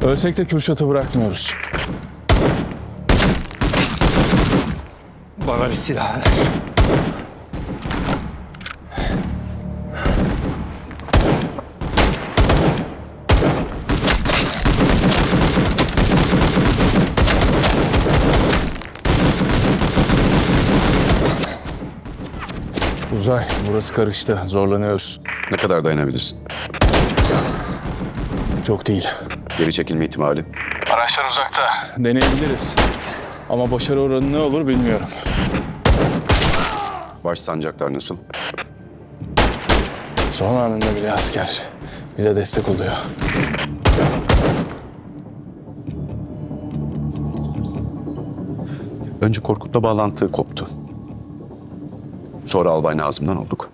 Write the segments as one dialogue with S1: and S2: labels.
S1: Ölsek de Kürşat'ı bırakmıyoruz.
S2: Bana bir silah ver.
S1: Uzay, burası karıştı. Zorlanıyoruz.
S3: Ne kadar dayanabilirsin?
S1: Çok değil.
S3: Geri çekilme ihtimali.
S1: Araçlar uzakta. Deneyebiliriz. Ama başarı oranı ne olur bilmiyorum.
S3: Baş sancaklar nasıl?
S1: Son anında bile asker bize destek oluyor.
S3: Önce Korkut'la bağlantı koptu. Sonra Albay Nazım'dan olduk.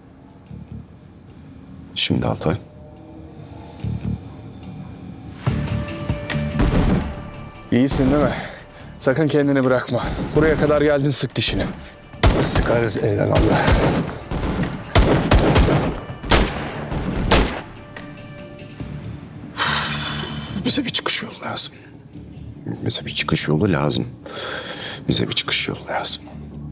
S3: Şimdi Altay.
S1: İyisin değil mi? Sakın kendini bırakma. Buraya kadar geldin, sık dişini.
S2: Sıkarız eyvallah.
S3: Bize bir çıkış yolu lazım. Bize bir çıkış yolu lazım. Bize bir çıkış yolu lazım.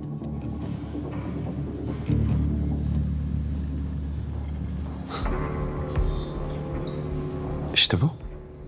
S3: İşte bu.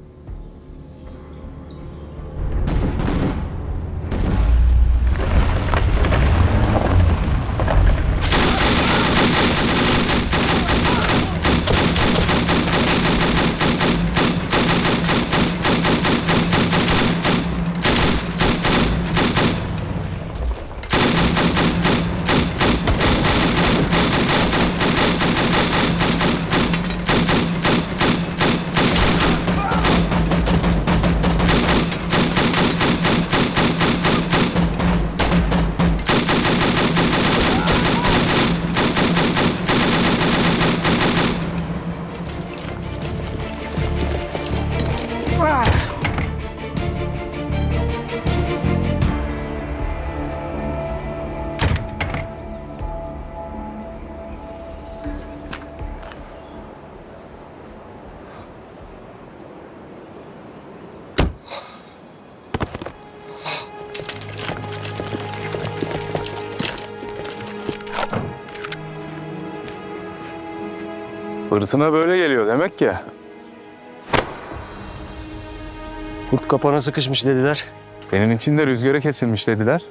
S1: Fırtına böyle geliyor demek ki.
S2: Kurt kapana sıkışmış dediler.
S1: Senin için de rüzgara kesilmiş dediler.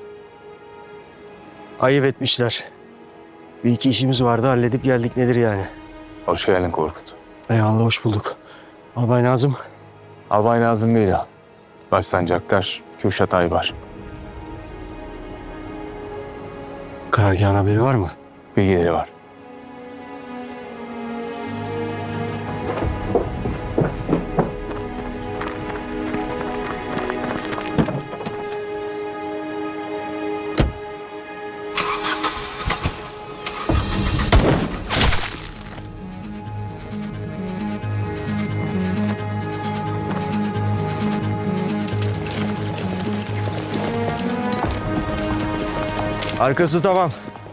S2: Ayıp etmişler. Bir iki işimiz vardı, halledip geldik, nedir yani?
S1: Hoş geldin Korkut.
S2: Eyvallah, hoş bulduk. Albay Nazım.
S1: Albay Nazım değil ya. Başsancaktar Kürşat Aybar.
S2: Karargahın haberi var mı?
S1: Bilgileri var.
S2: Arkası tamam.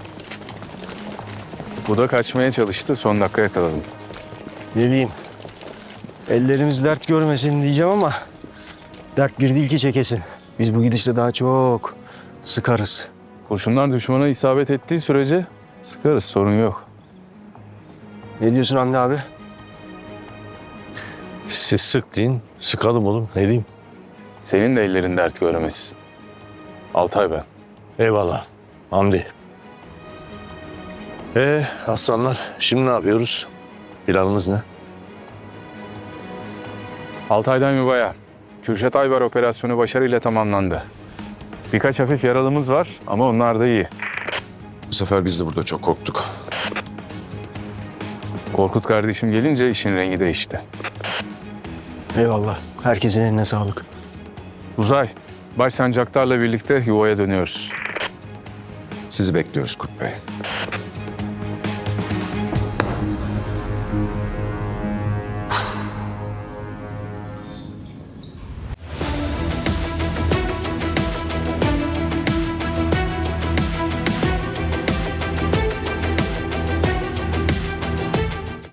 S1: Bu da kaçmaya çalıştı. Son dakika yakaladım.
S2: Ne diyeyim? Ellerimiz dert görmesin diyeceğim ama dert bir değil ki çekesin. Biz bu gidişle daha çok sıkarız.
S1: Kurşunlar düşmana isabet ettiği sürece sıkarız. Sorun yok.
S2: Ne diyorsun Hamdi abi?
S4: Siz sık deyin, sıkalım oğlum. Ne diyeyim?
S1: Senin de ellerin dert görmez. Altay ben.
S4: Eyvallah. Hamdi. Aslanlar, şimdi ne yapıyoruz? Planımız ne?
S1: Altay'dan yuvaya. Kürşat Aybar operasyonu başarıyla tamamlandı. Birkaç hafif yaralımız var ama onlar da iyi.
S3: Bu sefer biz de burada çok korktuk.
S1: Korkut kardeşim gelince işin rengi değişti.
S2: Eyvallah. Herkesin eline sağlık.
S1: Uzay, Başsancaktar'la birlikte yuvaya dönüyoruz.
S3: Sizi bekliyoruz Kurt Bey.